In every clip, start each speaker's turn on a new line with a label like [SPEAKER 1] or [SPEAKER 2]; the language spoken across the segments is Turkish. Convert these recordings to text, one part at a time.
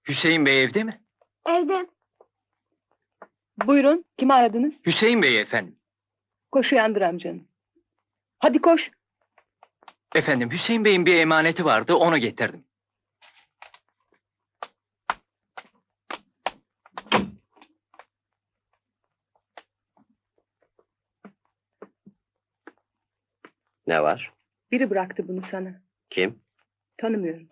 [SPEAKER 1] Hüseyin Bey evde mi?
[SPEAKER 2] Evde.
[SPEAKER 3] Buyurun, kimi aradınız?
[SPEAKER 1] Hüseyin Bey efendim.
[SPEAKER 3] Koş uyandır amcanı. Hadi koş.
[SPEAKER 1] Efendim Hüseyin Bey'in bir emaneti vardı, onu getirdim.
[SPEAKER 4] Ne var?
[SPEAKER 3] Biri bıraktı bunu sana.
[SPEAKER 4] Kim?
[SPEAKER 3] Tanımıyorum.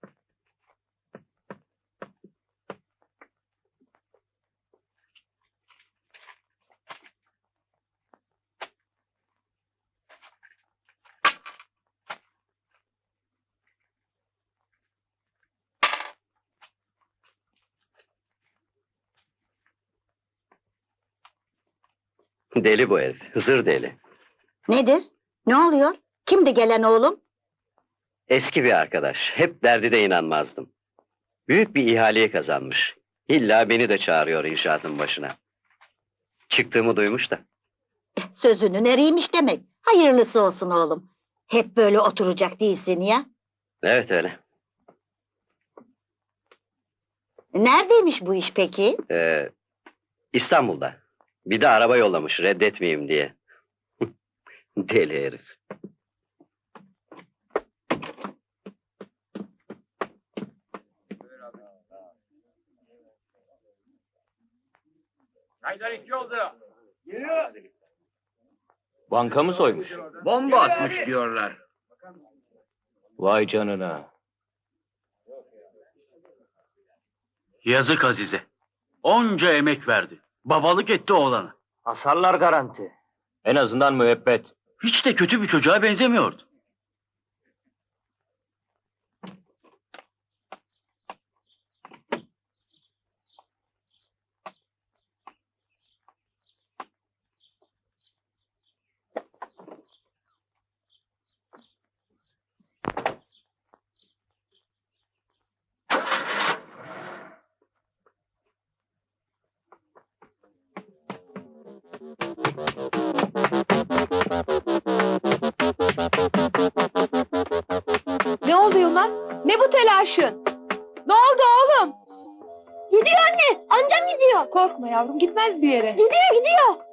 [SPEAKER 4] Deli bu herif. Hızır deli.
[SPEAKER 2] Nedir? Ne oluyor? Kimdi gelen oğlum?
[SPEAKER 4] Eski bir arkadaş. Hep derdi de inanmazdım. Büyük bir ihaleyi kazanmış. İlla beni de çağırıyor inşaatın başına. Çıktığımı duymuş da.
[SPEAKER 2] Sözünün eriymiş demek. Hayırlısı olsun oğlum. Hep böyle oturacak değilsin ya.
[SPEAKER 4] Evet öyle.
[SPEAKER 2] Neredeymiş bu iş peki?
[SPEAKER 4] İstanbul'da. Bir de araba yollamış reddetmeyeyim diye. Deli herif.
[SPEAKER 1] Banka mı soymuş?
[SPEAKER 5] Bomba atmış diyorlar.
[SPEAKER 1] Vay canına.
[SPEAKER 5] Yazık Azize. Onca emek verdi. Babalık etti oğlana.
[SPEAKER 1] Hasarlar garanti. En azından müebbet.
[SPEAKER 5] Hiç de kötü bir çocuğa benzemiyordu.
[SPEAKER 3] Ne oldu Yılmaz? Ne bu telaşın? Ne oldu oğlum?
[SPEAKER 2] Gidiyor anne. Amcam gidiyor.
[SPEAKER 3] Korkma yavrum, gitmez bir yere.
[SPEAKER 2] Gidiyor.